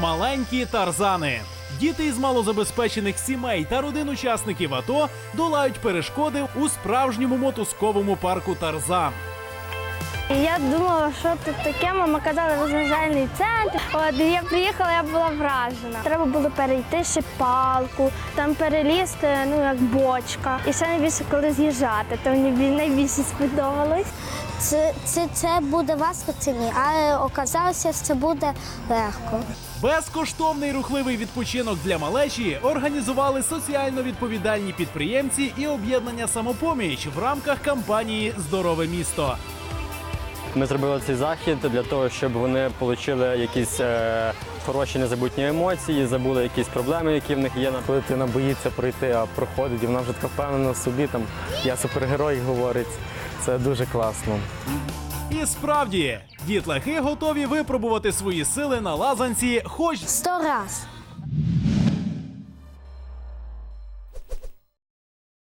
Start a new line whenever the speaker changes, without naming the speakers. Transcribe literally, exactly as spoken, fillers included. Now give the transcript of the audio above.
Маленькі Тарзани. Діти із малозабезпечених сімей та родин учасників АТО долають перешкоди у справжньому мотузковому парку «Тарзан».
Я думала, що тут таке, мама казала, розважальний центр. От, і я приїхала, я була вражена. Треба було перейти ще палку, там перелізти, ну, як бочка. І ще найбільше, коли з'їжджати, то мені найбільше сподобалось.
Це, це, це буде важко, це ні, але оказалося, що це буде легко.
Безкоштовний рухливий відпочинок для малечі організували соціально відповідальні підприємці і об'єднання «Самопоміч» в рамках кампанії «Здорове місто».
Ми зробили цей захід для того, щоб вони отримали якісь е, хороші незабутні емоції, забули якісь проблеми, які в них є.
Коли дитина боїться пройти, а проходить, і вона вже така впевнена в собі, там, я супергерой, говорить, це дуже класно.
І справді, дітлахи готові випробувати свої сили на лазанці хоч
Сто раз.